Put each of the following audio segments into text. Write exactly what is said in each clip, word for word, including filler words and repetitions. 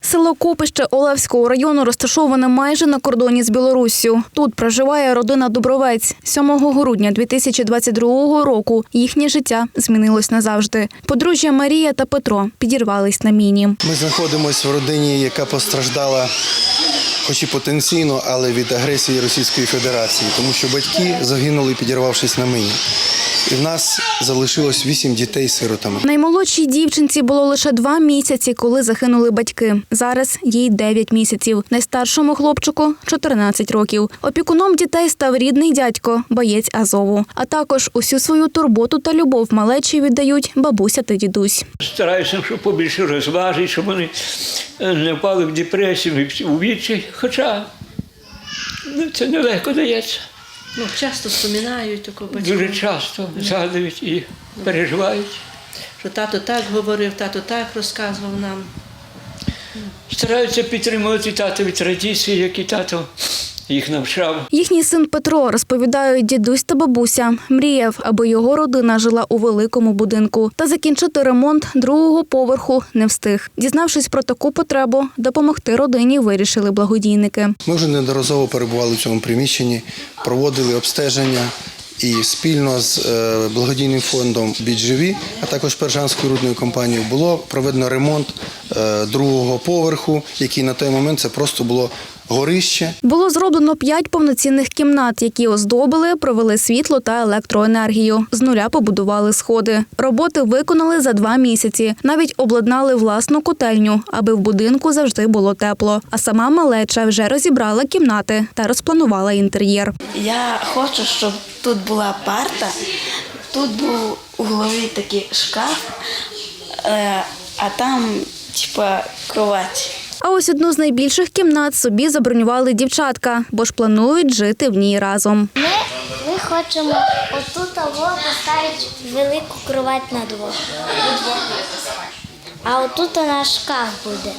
Село Копище Олевського району розташоване майже на кордоні з Білоруссю. Тут проживає родина Дубровець. сьомого грудня дві тисячі двадцять другого року їхнє життя змінилось назавжди. Подружжя Марія та Петро підірвались на міні. Ми знаходимося в родині, яка постраждала, хоч і потенційно, але від агресії Російської Федерації, тому що батьки загинули, підірвавшись на міні. І в нас залишилось вісім дітей сиротами. Наймолодшій дівчинці було лише два місяці, коли загинули батьки. Зараз їй дев'ять місяців. Найстаршому хлопчику – чотирнадцять років. Опікуном дітей став рідний дядько, боєць Азову. А також усю свою турботу та любов малечі віддають бабуся та дідусь. Стараюся, щоб побільше розважити, щоб вони не впали в депресію, у відчай. Хоча ну, це нелегко дається. Ну, часто вспоминають такого батька. Дуже часто згадують і переживають. Що тато так говорив, тато так розказував нам. Стараються підтримувати татові традиції, які тато їх навчав. Їхній син Петро, розповідають дідусь та бабуся, мріяв, аби його родина жила у великому будинку. Та закінчити ремонт другого поверху не встиг. Дізнавшись про таку потребу, допомогти родині вирішили благодійники. Ми вже неодноразово перебували в цьому приміщенні, проводили обстеження і спільно з благодійним фондом «Біджеві», а також Пержанською рудною компанією було проведено ремонт другого поверху, який на той момент це просто було горище. Було зроблено п'ять повноцінних кімнат, які оздобили, провели світло та електроенергію. З нуля побудували сходи. Роботи виконали за два місяці. Навіть обладнали власну котельню, аби в будинку завжди було тепло. А сама малеча вже розібрала кімнати та розпланувала інтер'єр. Я хочу, щоб тут була парта, тут був у голові такий шкаф, а там типа кровать. А ось одну з найбільших кімнат собі забронювали дівчатка, бо ж планують жити в ній разом. Ми, ми хочемо отут поставити велику кровать на двох. А отут у нас шкаф буде.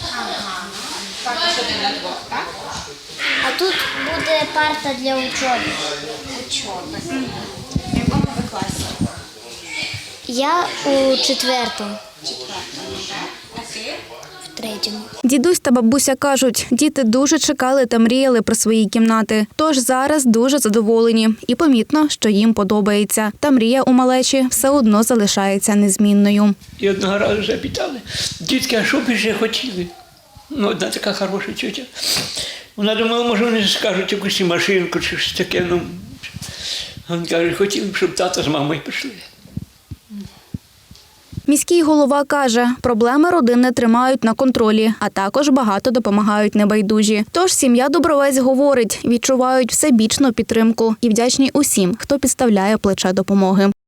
А тут буде парта для учоби. Учоби. В якому ви класі? Я у четвертому. Четвертому, так? А ти? Третьому. Дідусь та бабуся кажуть, діти дуже чекали та мріяли про свої кімнати. Тож зараз дуже задоволені. І помітно, що їм подобається. Та мрія у малечі все одно залишається незмінною. І одного разу вже питали, дітки, а що б ще хотіли? Ну, одна така хороша тітя. Вона думала, може вони скажуть якусь машинку чи щось таке. Ну, а він каже, хотіли б, щоб тато з мамою пішли. Міський голова каже, проблеми родини тримають на контролі, а також багато допомагають небайдужі. Тож сім'я Дубровець говорить, відчувають всебічну підтримку і вдячні усім, хто підставляє плече допомоги.